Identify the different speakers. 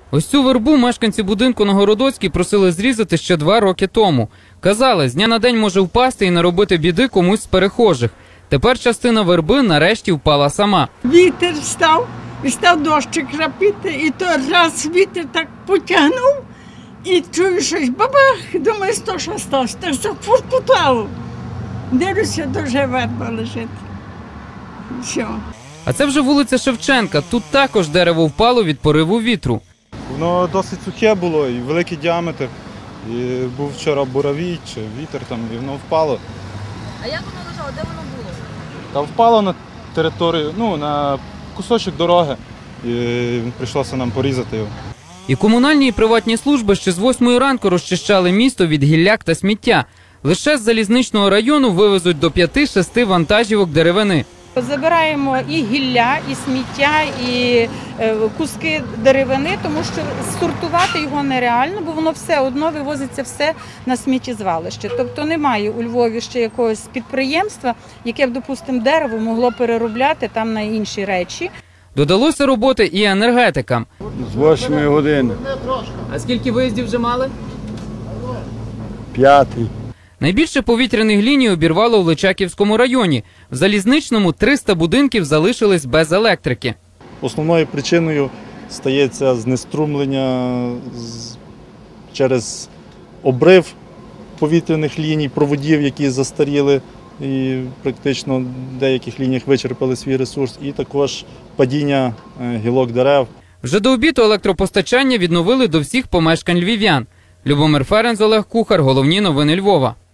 Speaker 1: Ось цю вербу мешканці будинку на Городоцькій просили зрізати ще 2 роки тому. Казали, з дня на день може впасти і наробити біди комусь з перехожих. Тепер частина верби нарешті впала сама.
Speaker 2: Вітер став, і став дощик крапити, і то раз вітер так потягнув, і чую щось бабах, думаю, що сталося, так зафуркутало. Дивлюся, дуже верба лежить. Все.
Speaker 1: А це вже вулиця Шевченка. Тут також дерево впало від пориву вітру.
Speaker 3: Воно досить сухе було і великий діаметр. І був вчора буравій чи вітер там, і воно впало.
Speaker 4: А як воно лежало? Де воно було?
Speaker 3: Та впало на територію, на кусочок дороги. І прийшлося нам порізати його.
Speaker 1: І комунальні, і приватні служби ще з 8 ранку розчищали місто від гілляк та сміття. Лише з залізничного району вивезуть до 5-6 вантажівок деревини.
Speaker 5: Забираємо і гілля, і сміття, і куски деревини, тому що сортувати його нереально, бо воно все одно вивозиться все на сміттєзвалище. Тобто немає у Львові ще якогось підприємства, яке б, допустимо, дерево могло переробляти там на інші речі.
Speaker 1: Додалося роботи і енергетикам.
Speaker 6: З 8 години.
Speaker 1: А скільки виїздів вже мали?
Speaker 6: 5.
Speaker 1: Найбільше повітряних ліній обірвало в Личаківському районі. В Залізничному 300 будинків залишились без електрики.
Speaker 3: Основною причиною стається знеструмлення через обрив повітряних ліній, проводів, які застаріли і практично в деяких лініях вичерпали свій ресурс, і також падіння гілок дерев.
Speaker 1: Вже до обіду електропостачання відновили до всіх помешкань львів'ян. Любомир Ференц, Олег Кухар. Головні новини Львова.